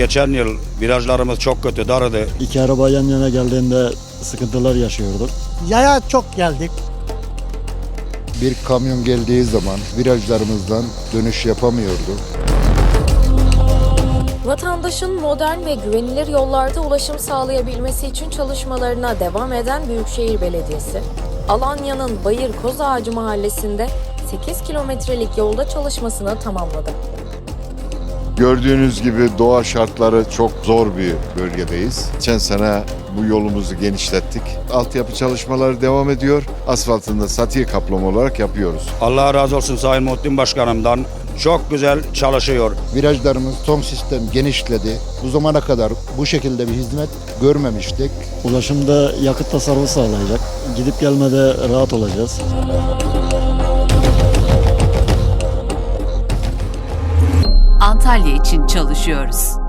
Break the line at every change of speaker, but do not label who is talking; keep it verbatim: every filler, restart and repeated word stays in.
geçen yıl virajlarımız çok kötü, darıdı.
İki araba yan yana geldiğinde sıkıntılar yaşıyorduk.
Yaya çok geldik.
Bir kamyon geldiği zaman virajlarımızdan dönüş yapamıyordu.
Vatandaşın modern ve güvenilir yollarda ulaşım sağlayabilmesi için çalışmalarına devam eden Büyükşehir Belediyesi, Alanya'nın Bayır Kozağacı mahallesinde sekiz kilometrelik yolda çalışmasını tamamladı.
Gördüğünüz gibi doğa şartları çok zor bir bölgedeyiz. Geçen sene bu yolumuzu genişlettik. Altyapı çalışmaları devam ediyor. Asfaltında satiye kaplama olarak yapıyoruz.
Allah razı olsun Sayın Muhittin Başkanım'dan. Çok güzel çalışıyor.
Virajlarımız son sistem genişledi. Bu zamana kadar bu şekilde bir hizmet görmemiştik.
Ulaşımda yakıt tasarrufu sağlayacak. Gidip gelmede rahat olacağız.
Antalya için çalışıyoruz.